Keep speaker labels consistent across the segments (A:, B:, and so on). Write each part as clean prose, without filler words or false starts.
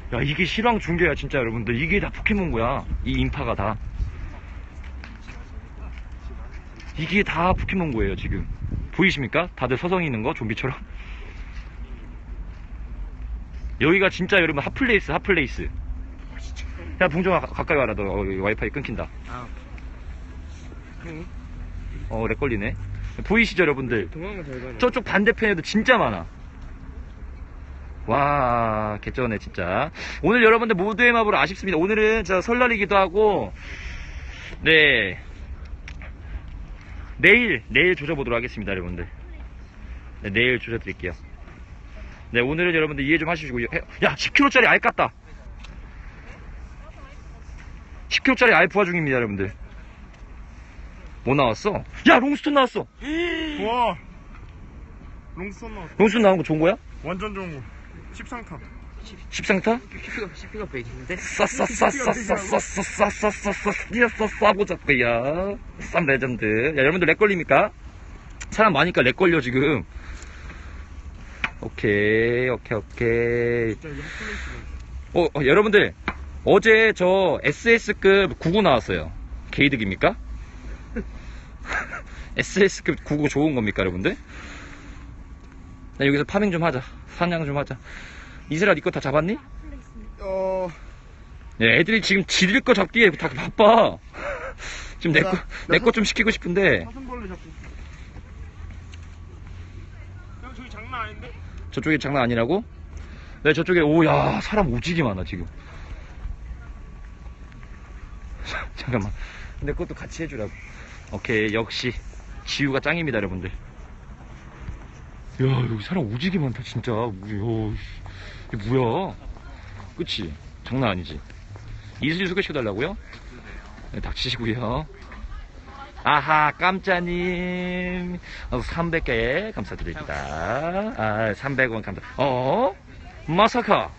A: 야, 이게 실황 중계야, 진짜 여러분들. 이게 다 포켓몬고야. 이 인파가 다. 이게 다 포켓몬고예요, 지금. 보이십니까? 다들 서성이 있는 거, 좀비처럼. 여기가 진짜 여러분 핫플레이스, 핫플레이스. 야, 봉정아, 가까이 와라. 너 와이파이 끊긴다. 렉 걸리네. 보이시죠, 여러분들? 저쪽 반대편에도 진짜 많아. 와, 개쩌네, 진짜. 오늘 여러분들 모두의 맵으로 아쉽습니다. 오늘은 저 설날이기도 하고, 네. 내일 조져보도록 하겠습니다, 여러분들. 네, 내일 조져드릴게요. 네, 오늘은 여러분들 이해 좀 하시고. 야, 10kg짜리 알 깠다. 10kg짜리 알 부화 중입니다, 여러분들. 뭐 나왔어? 야, 롱스톤 나왔어.
B: 와, 롱스톤 나왔어.
A: 롱스톤 나온 거 좋은 거야?
B: 완전 좋은 거. 13타.
A: 10상타?
C: CP가 베이징인데?
A: 싸보자꾸야. 쌈 레전드. 야, 여러분들 렉 걸립니까? 사람 많으니까 렉 걸려, 지금. 오케이.
B: 진짜 이게 핫플레이스네.
A: 여러분들. 어제 저 SS급 99 나왔어요. 개이득입니까? SS급 99 좋은 겁니까, 여러분들? 나 여기서 파밍 좀 하자. 사냥 좀 하자. 이슬아, 니 거 다 잡았니? 네, 애들이 지금 지들 거 잡기에 다 바빠. 지금 내 거 좀 시키고 싶은데.
B: 사슴벌레 잡고. 형, 저기 장난 아닌데?
A: 저쪽이 장난 아니라고? 네, 저쪽에, 야, 사람 오지게 많아, 지금. 잠깐만. 근데 그것도 같이 해주라고. 오케이, 역시. 지우가 짱입니다, 여러분들. 야, 여기 사람 오지게 많다, 진짜. 이게 뭐야? 그치? 장난 아니지? 이슬이 소개시켜달라고요? 네, 닥치시고요. 아하, 깜짜님. 300개 감사드립니다. 300원 감사. 마사카.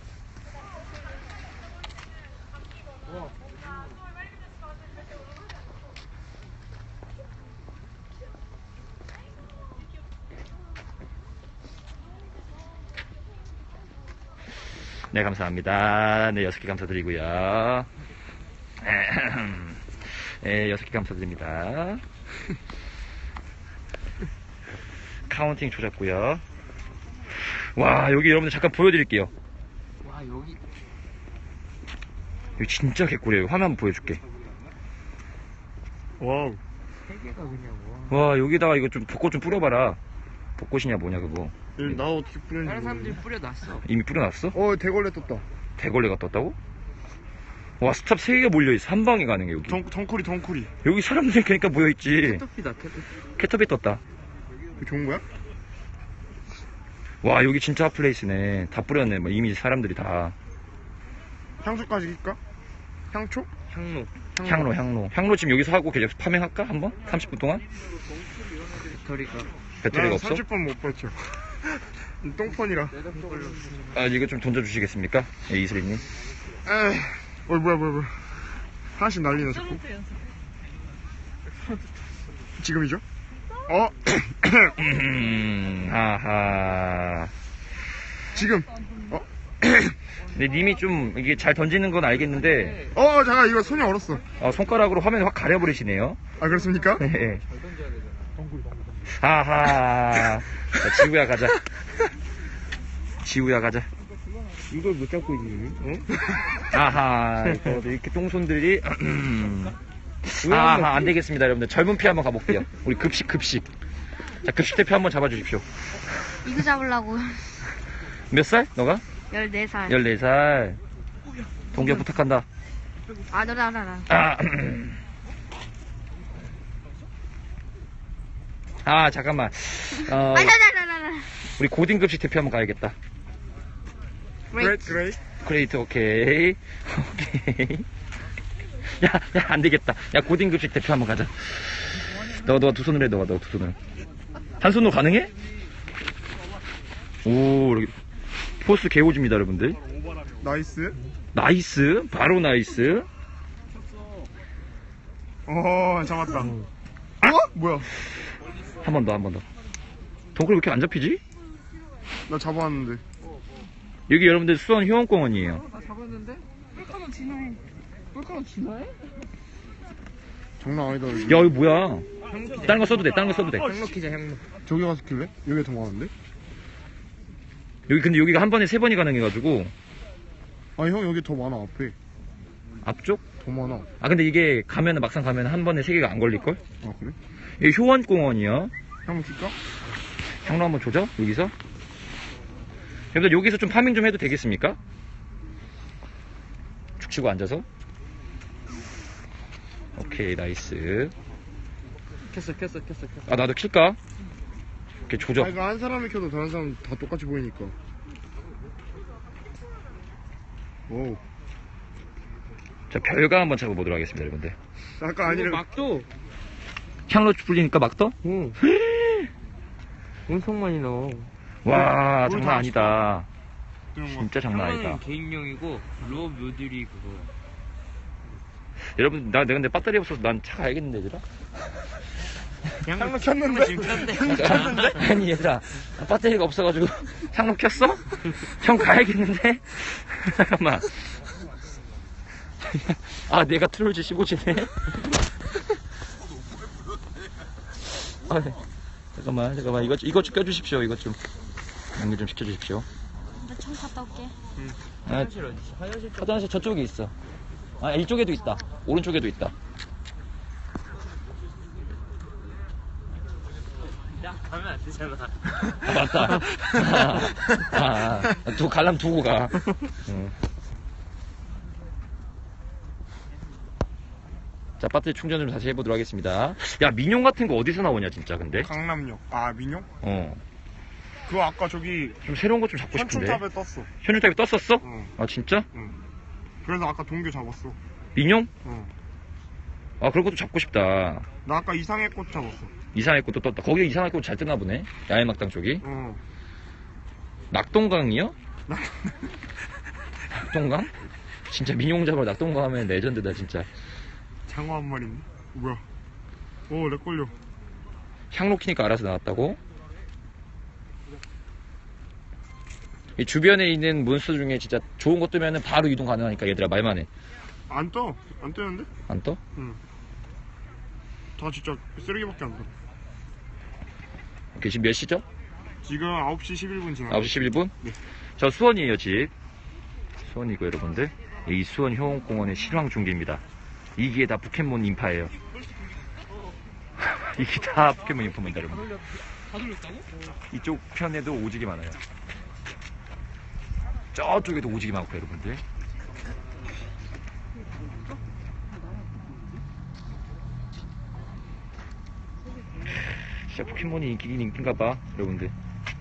A: 네, 감사합니다. 네, 6개 감사드리고요. 네, 6개 감사드립니다. 카운팅 조졌고요. 와, 여기 여러분들 잠깐 보여드릴게요.
C: 와, 여기
A: 진짜 개꿀이에요. 화면 한번 보여줄게.
B: 와우.
C: 3개가 그냥
A: 와, 여기다가 이거 좀 벚꽃 좀 뿌려봐라. 벚꽃이냐 뭐냐 그거.
B: 나 어떻게 뿌렸는지.
C: 다른 사람들이
B: 모르겠네.
C: 뿌려놨어.
A: 이미 뿌려놨어?
B: 대걸레 떴다.
A: 대걸레가 떴다고? 와, 스탑 3개가 몰려있어. 한 방에 가능해 여기.
B: 정쿨이.
A: 여기 사람들이 그러니까 모여있지.
C: 캐터피다, 캐터피.
A: 캐터비 떴다.
B: 이거 좋은 거야?
A: 와, 여기 진짜 핫플레이스네. 다 뿌렸네. 뭐 이미 사람들이 다.
B: 향수까지 낄까? 향초?
C: 향로.
A: 향로 지금 여기서 하고 계속 파밍할까? 한번? 30분 동안? 배터리가 없어?
B: 30번 못 버텨. 똥폰이라.
A: 아, 이거 좀 던져주시겠습니까? 예, 이슬이님.
B: 뭐야. 하나씩 날리네, 자꾸. 지금이죠?
A: 하하.
B: 지금.
A: 근데 님이 좀 이게 잘 던지는 건 알겠는데,
B: 잠깐, 이거 손이 얼었어.
A: 손가락으로 화면을 확 가려버리시네요.
B: 아, 그렇습니까?
A: 네. 하하. 자, 지우야 가자.
C: 이걸 못 잡고 있니?
A: 아하. 이렇게 똥손들이. 아하, 안 되겠습니다, 여러분들. 젊은 피 한번 가볼게요. 우리 급식. 자, 급식 대표 한번 잡아주십시오.
D: 이거 잡으려고.
A: 몇 살? 너가?
D: 14살.
A: 14살. 동기야 부탁한다.
D: 너라.
A: 잠깐만.
D: 나라라라.
A: 우리 고딩급식 대표 한번 가야겠다.
B: 그레이.
A: 그레이트, 오케이. 야, 안 되겠다. 야, 고딩급식 대표 한번 가자. 너 두 손으로 해, 너 두 손으로. 한 손으로 가능해? 오, 이렇게. 포스 개오집니다, 여러분들.
B: 나이스.
A: 바로 나이스.
B: 잡았다. 뭐야?
A: 한 번 더. 동굴 왜 이렇게 안 잡히지?
B: 나 잡아왔는데.
A: 여기 여러분들 수원 효원공원이에요.
C: 나 잡았는데? 뿔카노 진화해. 뿔카노 진화해?
B: 장난 아니다 여기.
A: 야, 이거 뭐야?
C: 향로
A: 다른 거 써도 돼, 다른 거 써도 돼.
C: 향로 키자, 향로.
B: 저기 가서 킬래? 여기 더 많은데?
A: 여기 근데 여기가 한 번에 3번이 가능해가지고.
B: 아니 형 여기 더 많아 앞에.
A: 앞쪽?
B: 더 많아.
A: 아, 근데 이게 가면은 막상 가면은 한 번에 3개가 안 걸릴걸?
B: 아 그래?
A: 여기 효원공원이요.
B: 한번 킬까?
A: 향로 한번 조져? 여기서? 여러분들 여기서 좀 파밍 좀 해도 되겠습니까? 축 치고 앉아서. 오케이, 나이스.
C: 켰어.
A: 아, 나도 킬까? 오케이, 조져.
B: 아 이거 한 사람이 켜도 다른 사람 다 똑같이 보이니까. 오.
A: 자, 별가 한번 잡아보도록 하겠습니다, 여러분들.
B: 아까 아니라
C: 막도.
A: 향로 불리니까 막 떠?
C: 응. 엄청 많이 넣어.
A: 와,
B: 뭘
A: 장난
B: 다
A: 아니다.
B: 그냥 막
A: 진짜 장난 아니다.
C: 향로는 개인용이고, 루어 묘들이 그거.
A: 여러분, 내가 근데 배터리 없어서 난 차 가야겠는데, 얘들아?
C: 향로
B: 켰는데?
C: 지금 켰는데?
A: 아니, 얘들아. 배터리가 없어가지고 향로 켰어? 형 가야겠는데? 잠깐만. 아, 내가 트롤즈 15지네? 아, 네. 잠깐만. 이것 좀 껴주십시오, 이것 좀. 연결 좀 시켜주십시오.
D: 나총 갔다 올게.
A: 아,
C: 화장실 어디지? 화장실 쪽.
A: 화장실 저쪽에 있어. 아, 이쪽에도 있다. 오른쪽에도 있다.
C: 야, 가면 안 되잖아.
A: 아, 맞다. 갈람 두고 가. 응. 자, 배터리 충전 좀 다시 해보도록 하겠습니다. 야, 민용 같은 거 어디서 나오냐, 진짜, 근데?
B: 강남역. 아 민용?
A: 어.
B: 그거 아까 저기
A: 좀 새로운 거 좀 잡고 싶은데.
B: 현충탑에 떴어.
A: 현충탑에 떴었어?
B: 응.
A: 아, 진짜?
B: 응. 그래서 아까 동교 잡았어.
A: 민용?
B: 응.
A: 아, 그런 것도 잡고 싶다.
B: 나 아까 이상의 꽃 잡았어.
A: 이상할 것도 떴다. 거기 이상할 것도 잘 뜨나 보네. 야외막당 쪽이.
B: 어.
A: 낙동강이요? 낙동강? 진짜 민용 잡으러 낙동강 하면 레전드다, 진짜.
B: 장어 한 마리네. 뭐야? 오, 렉 걸려.
A: 향로 키니까 알아서 나왔다고? 이 주변에 있는 몬스터 중에 진짜 좋은 거 뜨면은 바로 이동 가능하니까 얘들아 말만 해.
B: 안 떠. 안 뜨는데?
A: 안 떠?
B: 응. 다 진짜 쓰레기밖에 안 떠.
A: 오케이, 지금 몇 시죠?
B: 지금 9시 11분 지나.
A: 9시 11분?
B: 네.
A: 저 수원이에요, 집. 수원이고, 여러분들. 이 수원 효원공원의 실황 중계입니다. 이게 다 포켓몬 인파예요. 이게 다 포켓몬 인파입니다, 여러분.
C: 다 돌렸다고?
A: 이쪽 편에도 오지게 많아요. 저쪽에도 오지게 많고, 여러분들. 진짜 포켓몬이 인기긴 인기인가봐, 여러분들.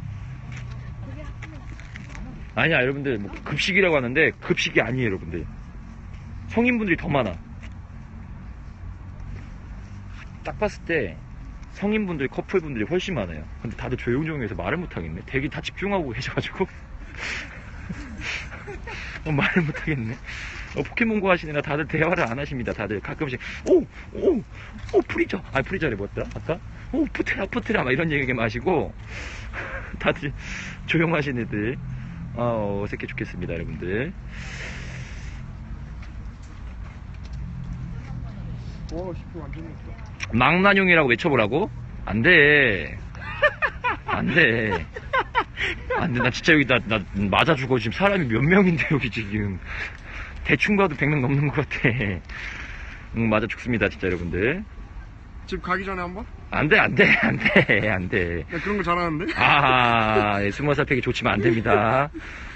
A: 아니야, 여러분들. 뭐 급식이라고 하는데 급식이 아니에요, 여러분들. 성인분들이 더 많아. 딱 봤을 때 성인분들, 커플분들이 훨씬 많아요. 근데 다들 조용조용해서 말을 못하겠네. 되게 다 집중하고 계셔가지고 말을 못하겠네. 포켓몬고 하시느라 다들 대화를 안 하십니다. 다들 가끔씩 오 프리저, 아니 프리저래 뭐였더라 아까? 오 푸테라 막 이런 얘기 마시고 다들 조용하신 애들. 어색해 죽겠습니다, 여러분들.
B: 와, 10분 완전 됐어.
A: 망나뇽이라고 외쳐보라고? 안 돼. 안 돼. 안 돼. 나 진짜 여기 나 맞아 죽어. 지금 사람이 몇 명인데, 여기 지금. 대충 봐도 100명 넘는 것 같아. 응, 맞아 죽습니다, 진짜 여러분들.
B: 집 가기 전에 한번?
A: 안 돼.
B: 나 그런 거 잘하는데?
A: 아, 20살 팩이 좋지만 안 됩니다.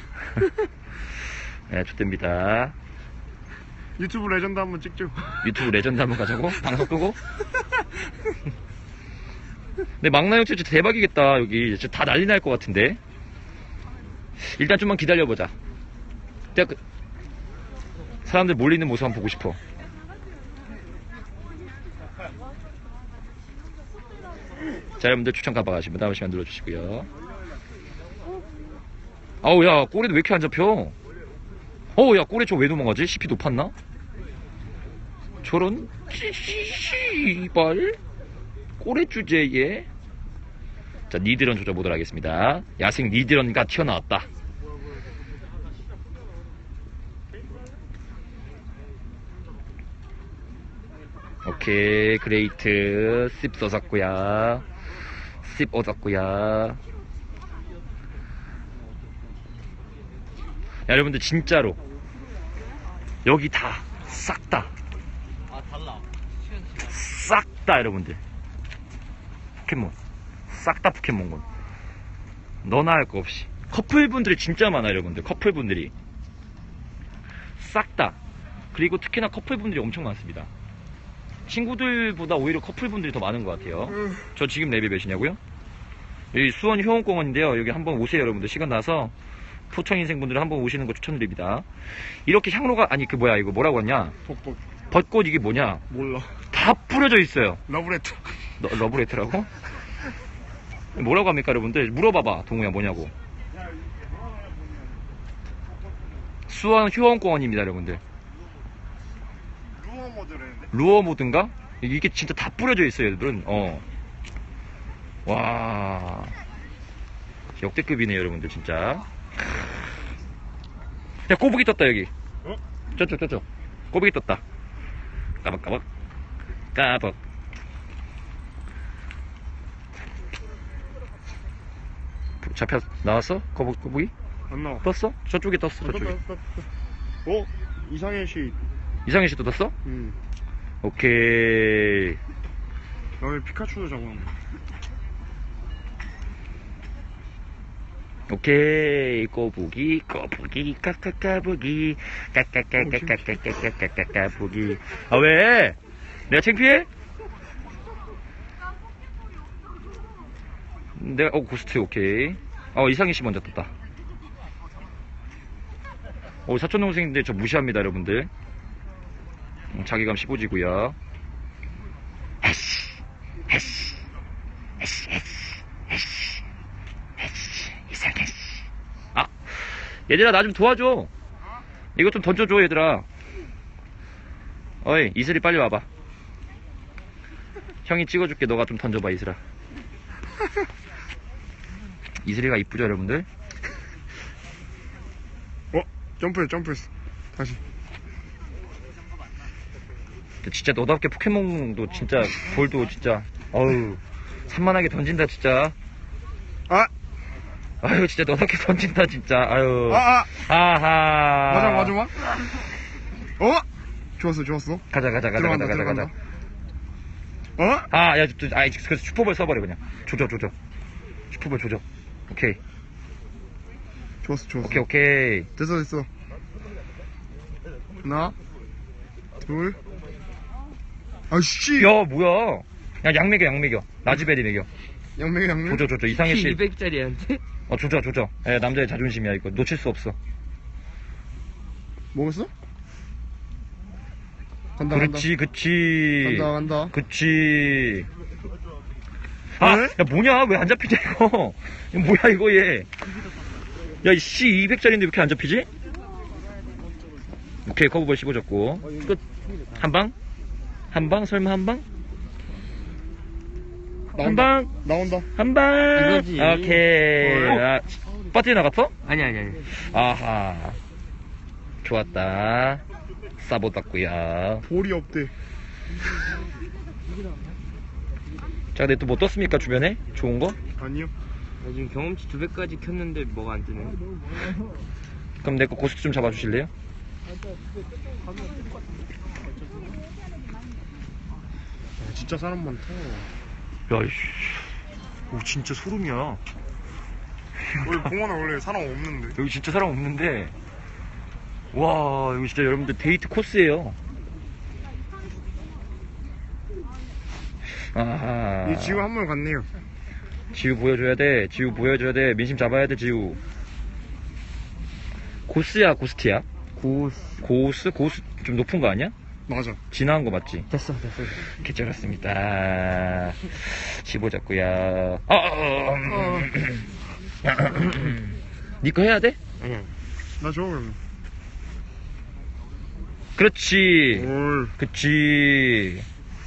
A: 네, 좋답니다.
B: 유튜브 레전드 한번 찍죠.
A: 유튜브 레전드 한번 가자고? 방송 끄고? 근데 망나뇽 진짜 대박이겠다, 여기. 진짜 다 난리 날 것 같은데. 일단 좀만 기다려보자. 사람들 몰리는 모습 한번 보고 싶어. 자, 여러분들 추천 가봐가시면 다음 시간 눌러주시고요. 아우, 야, 꼬리도 왜 이렇게 안 잡혀? 어우, 야, 꼬리 저 왜 도망가지? CP 높았나? 저런, 씨발. 꼬리 주제에. 자, 니드런 조져보도록 하겠습니다. 야생 니드런가 튀어나왔다. 오케이, 그레이트. 씹 써졌구야. 씹 얻었구야. 야, 여러분들, 진짜로. 여기 다, 싹 다. 싹 다, 여러분들. 포켓몬. 싹 다 포켓몬군. 너나 할 거 없이. 커플분들이 진짜 많아요, 여러분들. 커플분들이. 싹 다. 그리고 특히나 커플분들이 엄청 많습니다. 친구들보다 오히려 커플분들이 더 많은 것 같아요. 저 지금 레벨 몇이냐고요? 여기 수원 효원공원인데요. 여기 한번 오세요, 여러분들. 시간 나서 포천인생분들 한번 오시는 거 추천드립니다. 이렇게 향로가, 아니, 그 뭐야, 이거 뭐라고 하냐?
B: 벚꽃.
A: 벚꽃 이게 뭐냐?
B: 몰라.
A: 다 뿌려져 있어요.
B: 러브레터.
A: 러브레터라고? 뭐라고 합니까, 여러분들? 물어봐봐, 동우야, 뭐냐고. 수원 효원공원입니다, 여러분들.
B: 루어 모드랬는데?
A: 루어 모드인가? 이게 진짜 다 뿌려져 있어요, 얘들은. 와. 역대급이네요, 여러분들, 진짜. 야, 꼬부기 떴다, 여기.
B: 어?
A: 저쪽. 꼬부기 떴다. 까박까박. 까박. 나왔어? 꼬부기?
B: 안 나와.
A: 떴어? 저쪽에 떴어, 저쪽에.
B: 어? 이상해 씨.
A: 이상해 씨도 떴어? 오케이.
B: 나 왜 피카츄도 잡았네.
A: 오케이. 꼬부기, 까까까부기, 까까까까까까까까까부기. 아, 왜? 내가 창피해? 내가, 고스트, 오케이. 이상희 씨 먼저 떴다. 사촌 동생인데 저 무시합니다, 여러분들. 자기감 15지고요. 이상해. 얘들아, 나 좀 도와줘. 이거 좀 던져줘, 얘들아. 어이, 이슬이 빨리 와봐. 형이 찍어줄게. 너가 좀 던져봐, 이슬아. 이슬이가 이쁘죠, 여러분들?
B: 점프했어. 다시.
A: 진짜 너답게 포켓몬도 진짜 볼도 진짜 산만하게 던진다 진짜. 아유 진짜 너답게 던진다 진짜. 아유. 아하.
B: 맞아. 좋았어.
A: 가자.
B: 들어간다.
A: 그래서 슈퍼볼 써버려 그냥. 조져. 슈퍼볼 조져. 오케이.
B: 좋았어.
A: 오케이.
B: 됐어. 하나, 둘. 아씨.
A: 야 뭐야? 야 양 먹여. 라즈베리 먹여.
B: 양맹.
A: 조져. 이상해 씨.
C: 200짜리한테?
A: 조져. 남자의 자존심이야 이거. 놓칠 수 없어.
B: 먹었어? 간다.
A: 그렇지.
B: 간다.
A: 그치.
B: 왜?
A: 야, 뭐냐? 왜 안 잡히지, 이거? 뭐야, 이거, 얘. 야, 이씨, 200짜리인데 왜 이렇게 안 잡히지? 오케이, 커브볼 씹어줬고. 끝. 한 방? 설마 한 방? 한 방?
B: 나온다.
A: 한 방?
C: 이거지.
A: 오케이. 빠뜨려 나갔어?
C: 아니.
A: 아하. 좋았다. 싸보았구야.
B: 볼이 없대.
A: 자, 근데 또 뭐 떴습니까, 주변에? 좋은 거?
B: 아니요.
C: 나 지금 경험치 200까지 켰는데 뭐가 안 뜨네.
A: 그럼 내 거 고스트 좀 잡아주실래요?
B: 진짜 사람 많다.
A: 야, 이씨. 오, 진짜 소름이야.
B: 원래 공원에 원래 사람 없는데.
A: 여기 진짜 사람 없는데. 와, 여기 진짜 여러분들 데이트 코스예요. 아하.
B: 이 지우 한 번 갔네요.
A: 지우 보여줘야 돼. 민심 잡아야 돼, 지우. 고스야, 고스트야? 고스 좀 높은 거 아니야?
B: 맞아.
A: 진화한 거 맞지?
C: 됐어.
A: 개쩔었습니다. 집어 잡고야. 니거 해야 돼?
C: 아니야.
B: 나 저거 그러면.
A: 그렇지.
B: 올.
A: 그치.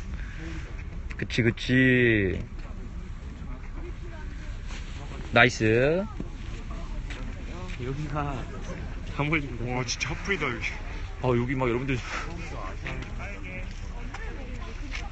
A: 나이스.
C: 여기가 다 몰린다.
B: 와 진짜 핫플이다 여기.
A: 여기 막 여러분들.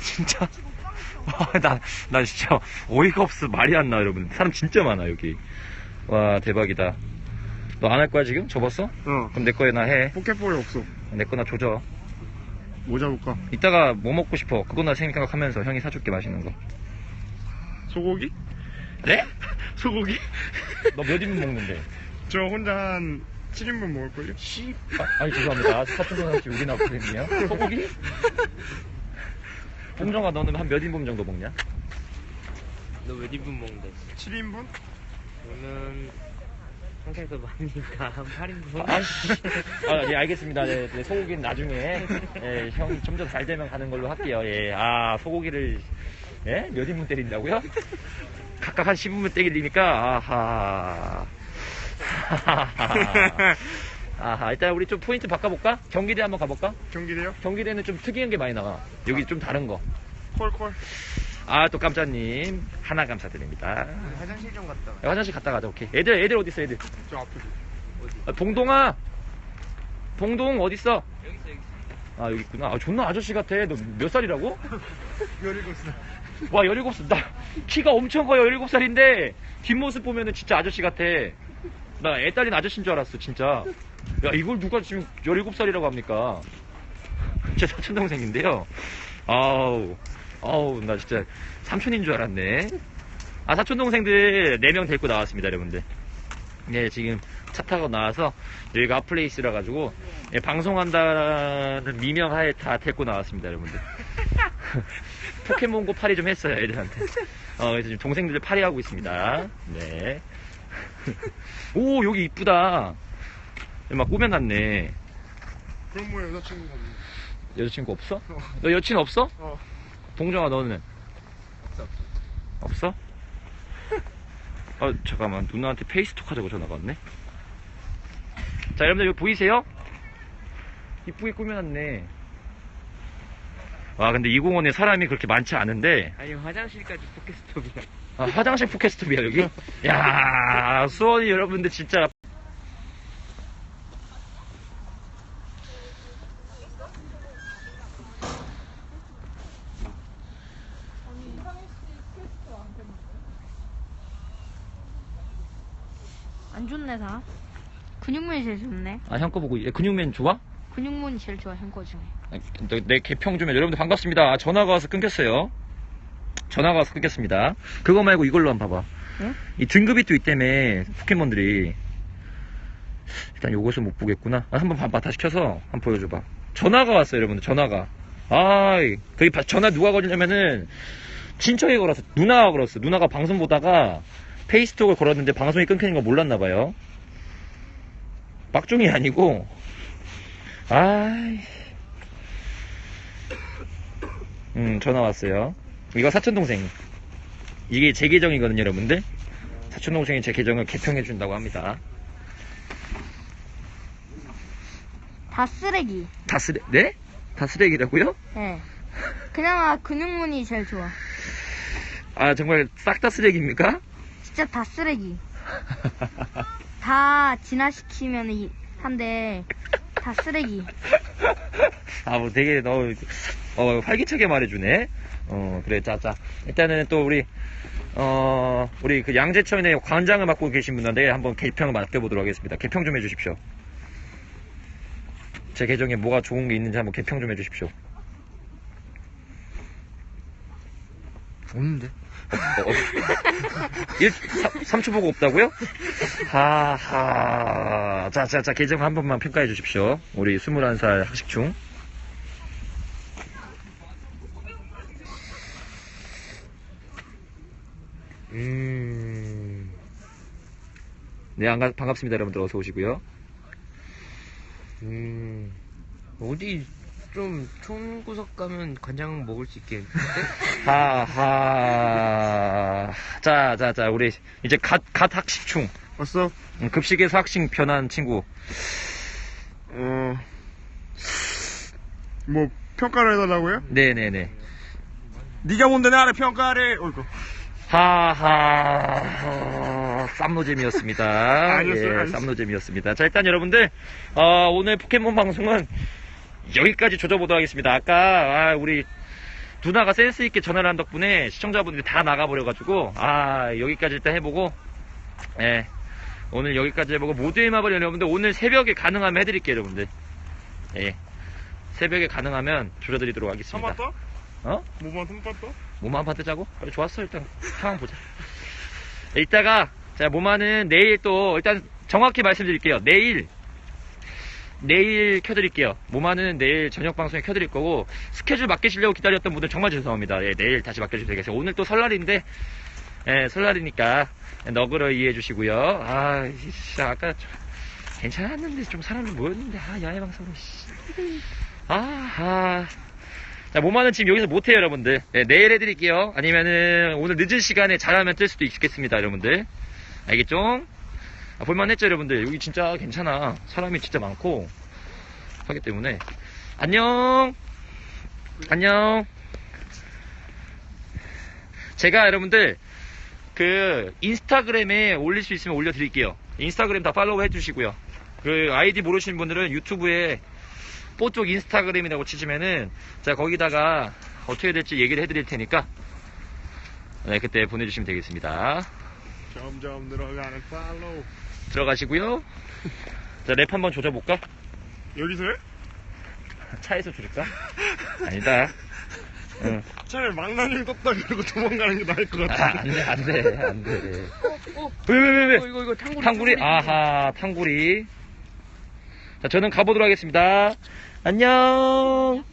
A: 진짜. 나 진짜 어이가 없어. 말이 안 나, 여러분. 사람 진짜 많아, 여기. 와, 대박이다. 너 안 할 거야, 지금? 접었어? 그럼 내 거에 나 해.
B: 포켓볼이 없어.
A: 내 거 나 조져.
B: 뭐 잡을까?
A: 이따가 뭐 먹고 싶어? 그거 나 생각하면서 형이 사줄게, 맛있는 거.
B: 소고기?
A: 네?
B: 소고기?
A: 너 몇 인분 먹는데?
B: 저 혼자 한 7인분 먹을걸요?
A: 아니, 죄송합니다. 사촌동생 씨 우리 나왔거든요. 소고기? 봉정아, 너는 한 몇 인분 정도 먹냐?
E: 너 몇 인분 먹는데?
B: 7인분?
E: 저는 항상 더 많으니까 한 8인분?
A: 예, 알겠습니다. 네, 네, 소고기는 나중에, 예, 형이 좀 더 잘 되면 가는 걸로 할게요. 예, 소고기를, 예? 몇 인분 때린다고요? 각각 한 10인분 때리니까, 아하, 일단 우리 좀 포인트 바꿔볼까? 경기대 한번 가볼까?
B: 경기대요?
A: 경기대는 좀 특이한 게 많이 나와. 여기 좀 다른 거.
B: 콜콜.
A: 또 깜짝님, 하나 감사드립니다.
E: 화장실 좀 갔다 와.
A: 야, 화장실 갔다 가자, 오케이. 애들 어딨어, 애들?
B: 저 앞에.
A: 동동아! 동동 어딨어?
E: 여기 있어.
A: 여기 있구나. 존나 아저씨 같아. 너 몇 살이라고?
B: 17살.
A: 와, 17살. 나 키가 엄청 커요. 17살인데 뒷모습 보면은 진짜 아저씨 같아. 나 애 딸린 아저씨인 줄 알았어, 진짜. 야, 이걸 누가 지금 17살이라고 합니까? 제 사촌동생인데요. 나 진짜 삼촌인 줄 알았네. 사촌동생들 4명 데리고 나왔습니다, 여러분들. 네, 지금 차 타고 나와서 여기가 핫플레이스라 가지고 방송한다는 미명하에 다 데리고 나왔습니다, 여러분들. 포켓몬고 파리 좀 했어요, 애들한테. 그래서 지금 동생들 파리하고 있습니다. 네. 오, 여기 이쁘다. 막 꾸며놨네.
B: 그럼 뭐 여자친구가 없네.
A: 여자친구 없어? 너 여친 없어?
B: 어.
A: 동정아, 너는? 없어? 잠깐만. 누나한테 페이스톡 하자고 전화가 왔네. 자, 여러분들 여기 보이세요? 이쁘게 꾸며놨네. 근데 이 공원에 사람이 그렇게 많지 않은데,
E: 아니 화장실까지 포켓스톱이야.
A: 화장실 포켓스톱이야, 여기? 야, 수원이 여러분들 진짜.
D: 안 좋네, 다. 근육맨이 제일 좋네.
A: 형 거 보고, 근육맨 좋아?
D: 근육맨이 제일 좋아, 형 거 중에.
A: 내 개평 좀 해. 여러분들 반갑습니다. 전화가 와서 끊겼어요. 전화가 와서 끊겼습니다. 그거 말고 이걸로 한번 봐봐.
D: 응?
A: 이 등급이 또 있다며, 포켓몬들이. 일단 요것은 못 보겠구나. 한번 봐봐. 다시 켜서 한번 보여줘봐. 전화가 왔어요, 여러분들. 전화가. 거기 전화 누가 걸냐면은, 친척이 걸었어. 누나가 걸었어. 누나가 방송 보다가 페이스톡을 걸었는데 방송이 끊기는 거 몰랐나봐요. 막종이 아니고, 전화 왔어요. 이거 사촌동생. 이게 제 계정이거든요, 여러분들. 사촌동생이 제 계정을 개평해준다고 합니다.
D: 다 쓰레기.
A: 네? 다 쓰레기라고요?
D: 네. 그나마 근육맨이 제일 좋아.
A: 정말 싹 다 쓰레기입니까?
D: 진짜 다 쓰레기. 다 진화시키면 한데 다 쓰레기.
A: 뭐 되게 활기차게 말해주네. 그래, 자. 일단은 또 우리 그 양재천의 관장을 맡고 계신 분한테 한번 개평을 맡겨보도록 하겠습니다. 개평 좀 해주십시오. 제 계정에 뭐가 좋은 게 있는지 한번 개평 좀 해주십시오.
E: 없는데?
A: 3초 보고 없다고요? 하하. 자, 계정 한 번만 평가해 주십시오. 우리 21살 학식충. 네, 반갑습니다, 여러분들. 어서 오시고요.
E: 어디 좀 촌구석 가면 간장 먹을 수 있겠는데?
A: 하하. 자, 우리 이제 갓 학식충.
B: 왔어?
A: 급식에서 학식 변한 친구.
B: 뭐 평가를 해달라고요?
A: 네네네.
B: 네가 뭔데 나를 평가를? 어이구.
A: 하하. 쌈노잼이었습니다.
B: 아니었어요.
A: 쌈노잼이었습니다. 자, 일단 여러분들, 오늘 포켓몬 방송은 여기까지 조져보도록 하겠습니다. 아까, 우리, 누나가 센스있게 전화를 한 덕분에 시청자분들이 다 나가버려가지고, 여기까지 일단 해보고, 예. 오늘 여기까지 해보고, 모두의 마블 여러분들, 오늘 새벽에 가능하면 해드릴게요, 여러분들. 예. 새벽에 가능하면 줄여드리도록 하겠습니다.
B: 한번 떠?
A: 어?
B: 몸만 한번 떠?
A: 몸 한 판 뜨자고? 그래, 좋았어. 일단 상황 보자. 이따가 자 모마는 내일 또 일단 정확히 말씀드릴게요. 내일 켜드릴게요. 모마는 내일 저녁 방송에 켜드릴 거고 스케줄 맡기시려고 기다렸던 분들 정말 죄송합니다. 예, 내일 다시 맡겨주셔도 되겠어요. 오늘 또 설날인데 설날이니까 너그러 이해해 주시고요. 진짜 아까 괜찮았는데 좀 사람 좀 모였는데 야외 방송으로 자, 모마는 지금 여기서 못해요, 여러분들. 네, 내일 해드릴게요. 아니면은, 오늘 늦은 시간에 잘하면 뜰 수도 있겠습니다, 여러분들. 알겠죠? 볼만했죠, 여러분들? 여기 진짜 괜찮아. 사람이 진짜 많고, 하기 때문에. 안녕! 안녕! 제가 여러분들, 인스타그램에 올릴 수 있으면 올려드릴게요. 인스타그램 다 팔로우 해주시고요. 아이디 모르시는 분들은 유튜브에 뽀쪽 인스타그램이라고 치시면은 자 거기다가 어떻게 될지 얘기를 해드릴 테니까 네 그때 보내주시면 되겠습니다.
B: 점점 늘어가는 팔로우.
A: 들어가시고요. 자 랩 한번 조져볼까?
B: 여기서 해?
A: 차에서 조질까? 아니다. 응.
B: 차라리 망나뇽 떴다 그러고 도망가는 게 나을 것 같은데.
A: 안돼. 왜?
E: 이거
A: 탕구리? 아하 탕구리. 자 저는 가보도록 하겠습니다. 안녕.